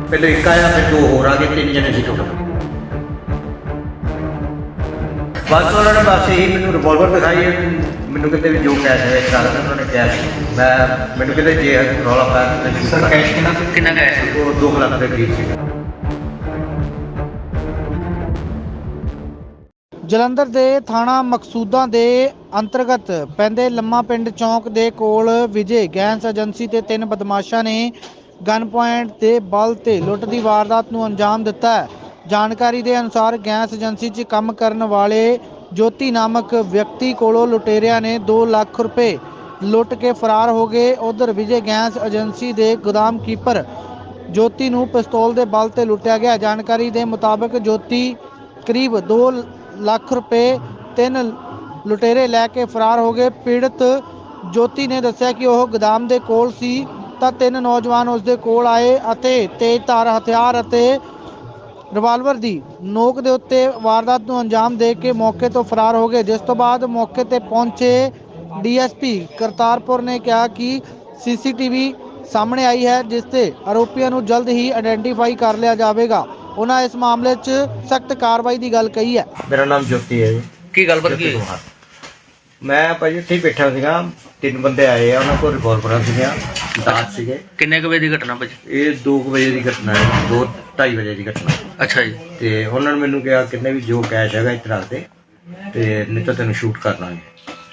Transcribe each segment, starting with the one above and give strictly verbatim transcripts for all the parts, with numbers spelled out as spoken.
पहले एक आया फिर दो होर आ गए, तीन जने सी टोटल। बस उन्होंने बस यही मैंने रिवॉल्वर दिखाई है, मैंने कहते भी जो कैश है एक साल उन्होंने कैश मैं मैंने कहते जे रौला पाया सर कैश कितना कितना कैश वो दो लाख के करीब से। ਜਲੰਧਰ ਦੇ ਥਾਣਾ ਮਕਸੂਦਾਂ ਦੇ ਅੰਤਰਗਤ ਪੈਂਦੇ ਲੰਮਾ ਪਿੰਡ ਚੌਂਕ ਦੇ ਕੋਲ ਵਿਜੇ ਗੈਸ ਏਜੰਸੀ ਤੇ ਤਿੰਨ ਬਦਮਾਸ਼ਾਂ ਨੇ ਗਨ ਪੁਆਇੰਟ ਤੇ ਬਲ ਤੇ ਲੁੱਟ ਦੀ ਵਾਰਦਾਤ ਨੂੰ ਅੰਜਾਮ ਦਿੱਤਾ ਹੈ। ਜਾਣਕਾਰੀ ਦੇ ਅਨੁਸਾਰ ਗੈਸ ਏਜੰਸੀ 'ਚ ਕੰਮ ਕਰਨ ਵਾਲੇ ਜੋਤੀ ਨਾਮਕ ਵਿਅਕਤੀ ਕੋਲੋਂ ਲੁਟੇਰਿਆਂ ਨੇ ਦੋ ਲੱਖ ਰੁਪਏ ਲੁੱਟ ਕੇ ਫਰਾਰ ਹੋ ਗਏ। ਉਧਰ ਵਿਜੇ ਗੈਸ ਏਜੰਸੀ ਦੇ ਗੋਦਾਮ ਕੀਪਰ ਜੋਤੀ ਨੂੰ ਪਿਸਤੌਲ ਦੇ ਬਲ ਤੇ ਲੁੱਟਿਆ ਗਿਆ। ਜਾਣਕਾਰੀ ਦੇ ਮੁਤਾਬਕ ਜੋਤੀ ਕਰੀਬ ਦੋ ਲੱਖ ਰੁਪਏ ਤਿੰਨ ਲੁਟੇਰੇ ਲੈ ਕੇ ਫਰਾਰ ਹੋ ਗਏ। ਪੀੜਤ ਜੋਤੀ ਨੇ ਦੱਸਿਆ ਕਿ ਉਹ ਗੋਦਾਮ ਦੇ ਕੋਲ ਸੀ ਤਾਂ ਤਿੰਨ ਨੌਜਵਾਨ ਉਸ ਦੇ ਕੋਲ ਆਏ ਅਤੇ ਤੇਜ਼ਧਾਰ ਹਥਿਆਰ ਅਤੇ ਰਿਵਾਲਵਰ ਦੀ ਨੋਕ ਦੇ ਉੱਤੇ ਵਾਰਦਾਤ ਨੂੰ ਅੰਜਾਮ ਦੇ ਕੇ ਮੌਕੇ ਤੋਂ ਫਰਾਰ ਹੋ ਗਏ। ਜਿਸ ਤੋਂ ਬਾਅਦ ਮੌਕੇ ਤੇ ਪਹੁੰਚੇ ਡੀਐਸਪੀ ਕਰਤਾਰਪੁਰ ਨੇ ਕਿਹਾ ਕਿ ਸੀਸੀਟੀਵੀ ਸਾਹਮਣੇ ਆਈ ਹੈ ਜਿਸ ਤੇ ਆਰੋਪੀਆਂ ਨੂੰ ਜਲਦ ਹੀ ਆਇਡੈਂਟੀਫਾਈ ਕਰ ਲਿਆ ਜਾਵੇਗਾ। ਉਹਨਾਂ ਇਸ ਮਾਮਲੇ 'ਚ ਸਖਤ ਕਾਰਵਾਈ ਦੀ ਗੱਲ ਕਹੀ ਹੈ। ਮੇਰਾ ਨਾਮ ਜੋਤੀ ਹੈ ਜੀ। ਕੀ ਗੱਲਬਾਤ ਕੀ ਮੈਂ ਭਾਜੀ ਇੱਥੇ ਹੀ ਬੈਠਾ ਸੀਗਾ, ਤਿੰਨ ਬੰਦੇ ਆਏ ਆ, ਉਹਨਾਂ ਕੋਲ ਰਿਵੋਲਵਰਾਂ ਸੀਗੀਆਂ, ਦਾਤ ਸੀਗੇ। ਕਿੰਨੇ ਕੁ ਵਜੇ ਦੀ ਘਟਨਾ ਭਾਜੀ? ਇਹ ਦੋ ਕੁ ਵਜੇ ਦੀ ਘਟਨਾ ਹੈ, ਦੋ ਢਾਈ ਵਜੇ ਦੀ ਘਟਨਾ। ਅੱਛਾ ਜੀ। ਤੇ ਉਹਨਾਂ ਨੇ ਮੈਨੂੰ ਕਿਹਾ ਕਿੰਨੇ ਵੀ ਜੋ ਕੈਸ਼ ਹੈਗਾ ਇੱਥੇ ਰੱਖ ਦੇ ਤੇ ਨਹੀਂ ਤਾਂ ਤੈਨੂੰ ਸ਼ੂਟ ਕਰ ਲਾਂਗੇ।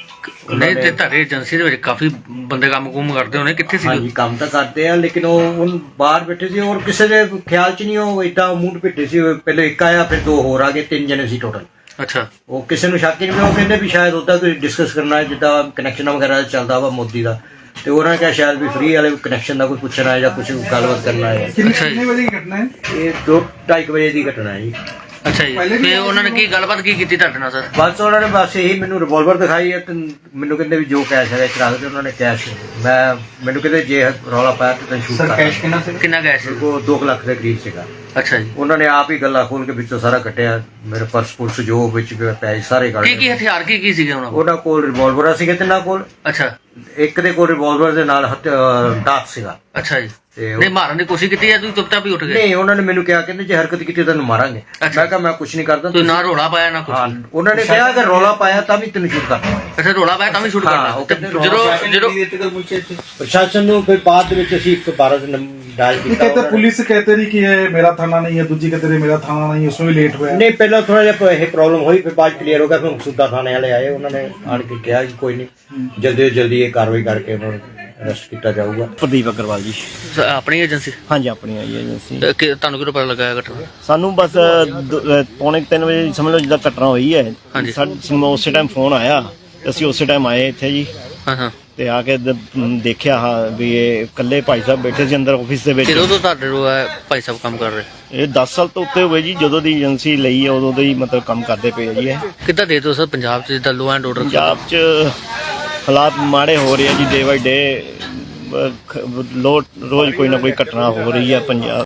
ਨਹੀਂ ਤੇ ਤੁਹਾਡੀ ਏਜੰਸੀ ਦੇ ਵਿੱਚ ਕਾਫੀ ਬੰਦੇ ਕੰਮ ਕੁਮ ਕਰਦੇ ਹੋਣੇ, ਕਿੱਥੇ ਸੀ? ਹਾਂਜੀ ਕੰਮ ਤਾਂ ਕਰਦੇ ਆ ਲੇਕਿਨ ਉਹ ਹੁਣ ਬਾਹਰ ਬੈਠੇ ਸੀ ਔਰ ਕਿਸੇ ਦੇ ਖਿਆਲ 'ਚ ਨਹੀਂ, ਉਹ ਏਦਾਂ ਮੂੰਹ ਪਿੱਟੇ ਸੀ। ਪਹਿਲੇ ਇੱਕ ਆਇਆ ਫਿਰ ਦੋ ਹੋਰ ਆ ਗਏ, ਤਿੰਨ ਜਣੇ ਸੀ ਟੋਟਲ। ਅੱਛਾ। ਉਹ ਕਿਸੇ ਨੂੰ ਸ਼ੱਕ ਹੀ ਨਹੀਂ, ਉਹ ਕਹਿੰਦੇ ਵੀ ਸ਼ਾਇਦ ਉਹਦਾ ਕੋਈ ਡਿਸਕਸ ਕਰਨਾ ਹੈ ਜਿੱਦਾਂ ਕਨੈਕਸ਼ਨ ਵਗੈਰਾ ਚੱਲਦਾ ਵਾ ਮੋਦੀ ਦਾ, ਤੇ ਉਹਨਾਂ ਨੇ ਕਿਹਾ ਸ਼ਾਇਦ ਵੀ ਫ੍ਰੀ ਵਾਲੇ ਕਨੈਕਸ਼ਨ ਦਾ ਕੋਈ ਪੁੱਛਣਾ ਹੈ ਜਾਂ ਕੁਝ ਗੱਲਬਾਤ ਕਰਨਾ ਹੈ। ਕਿੰਨੇ ਵਜੇ ਦੀ ਘਟਨਾ ਹੈ? ਇਹ ਦੋ ਢਾਈ ਕੁ ਵਜੇ ਦੀ ਘਟਨਾ ਹੈ ਜੀ। ਅੱਛਾ ਜੀ। ਤੇ ਉਹਨਾਂ ਨੇ ਕੀ ਗੱਲਬਾਤ ਕੀ ਕੀਤੀ ਤੁਹਾਡੇ ਨਾਲ ਸਰ? ਬਸ ਉਹਨਾਂ ਨੇ ਬਸ ਇਹੀ ਮੈਨੂੰ ਰਿਵੋਲਵਰ ਦਿਖਾਈ ਹੈ ਤੇ ਮੈਨੂੰ ਕਹਿੰਦੇ ਵੀ ਜੋ ਕੈਸ਼ ਹੈਗਾ ਇੱਥੇ ਰੱਖ ਦੇ। ਉਹਨਾਂ ਨੇ ਕੈਸ਼ ਮੈਂ ਮੈਨੂੰ ਕਹਿੰਦੇ ਜੇ ਰੌਲਾ ਪਾਇਆ ਤੇ ਤੈਨੂੰ ਸ਼ੂਟ ਕਰ। ਕੈਸ਼ ਕਿੰਨਾ ਸੀ? ਕਿੰਨਾ ਕੈਸ਼ ਸੀ? ਉਹ ਦੋ ਲੱਖ ਦੇ ਕਰੀਬ ਸੀਗਾ। ਅੱਛਾ ਜੀ। ਉਹਨਾਂ ਨੇ ਆਪ ਹੀ ਗੱਲਾਂ ਖੋਲ ਕੇ ਵਿੱਚੋਂ ਸਾਰਾ ਕੱਟਿਆ, ਮੇਰੇ ਪਰਸ ਪੁਰਸ ਜੋ ਵਿੱਚ ਪੈਸੇ ਸਾਰੇ ਕੱਢ ਕੀ ਕੀ ਹਥਿਆਰ ਕੀ ਕੀ ਸੀਗੇ ਉਹਨਾਂ ਕੋਲ? ਉਹਨਾਂ ਕੋਲ ਰਿਵੋਲਵਰ ਸੀਗੇ ਤਿੰਨਾਂ ਕੋਲ। ਅੱਛਾ। ਇੱਕ ਦੇ ਕੋਲ ਰਿਵੋਲਵਰ ਦੇ ਨਾਲ ਦਾਤ ਸੀਗਾ। ਅੱਛਾ ਜੀ। ਤੇ ਨਹੀਂ ਮਾਰਨ ਦੀ ਕੋਸ਼ਿਸ਼ ਕੀਤੀ ਜਾਂ ਤੁਸੀਂ ਚੁੱਪਚਾਪ ਹੀ ਉੱਠ ਗਏ? ਨਹੀਂ, ਉਹਨਾਂ ਨੇ ਮੈਨੂੰ ਕਿਹਾ ਕਹਿੰਦੇ ਜੇ ਹਰਕਤ ਕੀਤੀ ਤੈਨੂੰ ਮਾਰਾਂਗੇ। ਮੈਂ ਕਿਹਾ ਮੈਂ ਕੁਝ ਨਹੀਂ ਕਰਦਾ। ਤੁਸੀਂ ਨਾ ਰੋਲਾ ਪਾਇਆ ਨਾ ਕੁਝ? ਹਾਂ, ਉਹਨਾਂ ਨੇ ਕਿਹਾ ਕਿ ਰੌਲਾ ਪਾਇਆ ਤਾਂ ਵੀ ਤੈਨੂੰ ਸ਼ੂਟ ਕਰਨਾ। ਅੱਛਾ, ਰੋਲਾ ਪਾਇਆ ਤਾਂ ਵੀ ਸ਼ੂਟ ਕਰਨਾ। ਜਦੋਂ ਜਦੋਂ ਪ੍ਰਸ਼ਾਸਨ ਨੂੰ ਫਿਰ ਬਾਅਦ ਵਿੱਚ ਅਸੀਂ ਇੱਕ ਬਾਰਾਂ ਡਾਇਲ ਕੀਤਾ। कहते पुलिस कहते रही कि ये मेरा थाना नहीं है, दूजी कहते रही मेरा थाना नहीं है, उसमें भी लेट हुआ है। नहीं, पहला थोड़ा ਜਿਹਾ ਇਹ ਪ੍ਰੋਬਲਮ ਹੋਈ, ਫਿਰ ਬਾਅਦ ਕਲੀਅਰ ਹੋ ਗਿਆ। ਫਿਰ ਮਕਸੂਦਾ ਥਾਣੇ ਵਾਲੇ ਆਏ, ਉਹਨਾਂ ਨੇ ਆਣ ਕੇ ਕਿਹਾ ਕਿ ਕੋਈ ਨਹੀਂ ਜਲਦੀ ਜਲਦੀ ਇਹ ਕਾਰਵਾਈ ਕਰਕੇ ਉਹਨਾਂ ਨੂੰ ਅਰੈਸਟ ਕੀਤਾ ਜਾਊਗਾ। ਪ੍ਰਦੀਪ ਅਗਰਵਾਲ ਜੀ। ਆਪਣੀ ਏਜੰਸੀ? ਹਾਂਜੀ ਆਪਣੀ ਆਈ ਏਜੰਸੀ। ਤੇ ਤੁਹਾਨੂੰ ਕਿਹੜਾ ਪਤਾ ਲੱਗਾ ਇਹ ਘਟਨਾ? ਸਾਨੂੰ ਬਸ ਦ- ਅਹ ਪੌਣੇ ਕੁ ਤਿੰਨ ਵਜੇ ਸਮਝ ਲਓ ਜਿੱਦਾਂ ਘਟਨਾ ਹੋਈ ਹੈ। ਹਾਂਜੀ। ਸਾਨੂੰ ਉਸੇ ਟਾਈਮ ਫੋਨ ਆਇਆ ਤੇ ਅਸੀਂ ਉਸੇ ਟਾਈਮ ਆਏ ਇੱਥੇ ਜੀ। ਹਾਂ ਹਾਂ। ਤੇ ਆ ਕੇ ਦ- ਦੇਖਿਆ ਹਾਂ ਵੀ ਇਹ ਇਕੱਲੇ ਭਾਈ ਸਾਹਿਬ ਬੈਠੇ ਸੀ ਅੰਦਰ ਆਫਿਸ ਦੇ ਵਿੱਚ। ਕਿਦੋਂ ਤੋਂ ਤੁਹਾਡੇ ਕੋਲ ਇਹ ਭਾਈ ਸਾਹਿਬ ਕੰਮ ਕਰ ਰਹੇ? ਇਹ ਦਸ ਸਾਲ ਤੋਂ ਉੱਤੇ ਹੋਏ ਜੀ, ਜਦੋਂ ਦੀ ਏਜੰਸੀ ਲਈ ਹੈ ਉਦੋਂ ਦੇ ਹੀ ਮਤਲਬ ਕੰਮ ਕਰਦੇ ਪਏ ਆ ਜੀ। ਇਹ ਕਿੱਦਾਂ ਦੇ ਦੋ ਸਰ ਪੰਜਾਬ 'ਚ ਜਿੱਦਾਂ ਲੋ ਐਂਡ ਆਰਡਰ? ਪੰਜਾਬ 'ਚ ਹਾਲਾਤ ਮਾੜੇ ਹੋ ਰਹੇ ਆ ਜੀ, ਡੇ ਬਾਈ ਡੇ। ਲੋ ਰੋਜ਼ ਕੋਈ ਨਾ ਕੋਈ ਘਟਨਾ ਹੋ ਰਹੀ ਹੈ ਪੰਜਾਬ